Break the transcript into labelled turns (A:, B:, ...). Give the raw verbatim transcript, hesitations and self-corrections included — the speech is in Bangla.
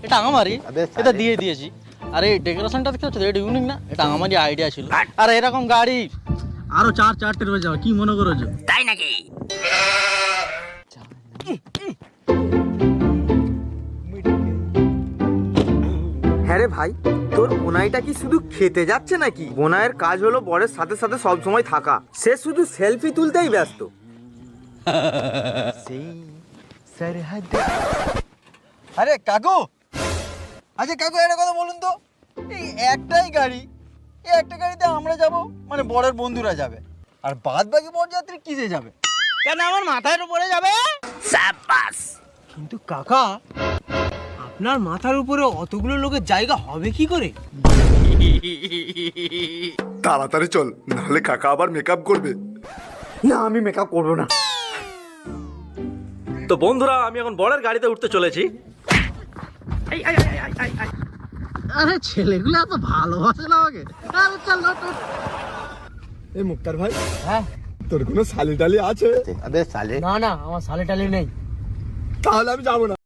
A: এটা আমারই, এটা দিয়ে দিয়েছি। আর এই ডেকোরেশনটা দেখতে পাচ্ছ, এটা ইউনিক না? এটা আমারই আইডিয়া ছিল। আর এরকম গাড়ি আরো চার চারটে রয়ে যাবে, কি মনে করেছো?
B: তাই নাকি?
C: হ্যাঁ রে ভাই, তোর বোনাইটা কি শুধু খেতে যাচ্ছে নাকি? বোনাইয়ের কাজ হলো বরের সাথে সাথে সব সময় থাকা, সে শুধু সেলফি তুলতেই ব্যস্ত।
D: আরে কাকু, আচ্ছা কাকু একটা কথা বলুন তো, এই একটাই গাড়ি, এই একটা গাড়িতে আমরা যাব, মানে বরের বন্ধুরা যাবে, আর বাদ বাকি বরযাত্রী কিসে যাবে?
A: কেন আমার মাথার উপরে যাবে?
B: সাবাস।
E: কিন্তু কাকা, আপনার মাথার উপরে অতগুলো লোকের জায়গা হবে কি করে?
F: তাড়াতাড়ি চল, নাহলে কাকা আবার মেকআপ করবে।
C: না, আমি মেকআপ করবো না।
A: তো বন্ধুরা, আমি এখন বরের গাড়িতে উঠতে চলেছি। আরে ছেলেগুলো এত ভালোবাসে না আমাকে। আরে চল না তো।
F: এই মুক্তার ভাই,
E: হ্যাঁ,
F: তোর কোনো শালি টালি আছে?
E: না না, আমার সালে টালে নেই।
F: তাহলে আমি যাবো না।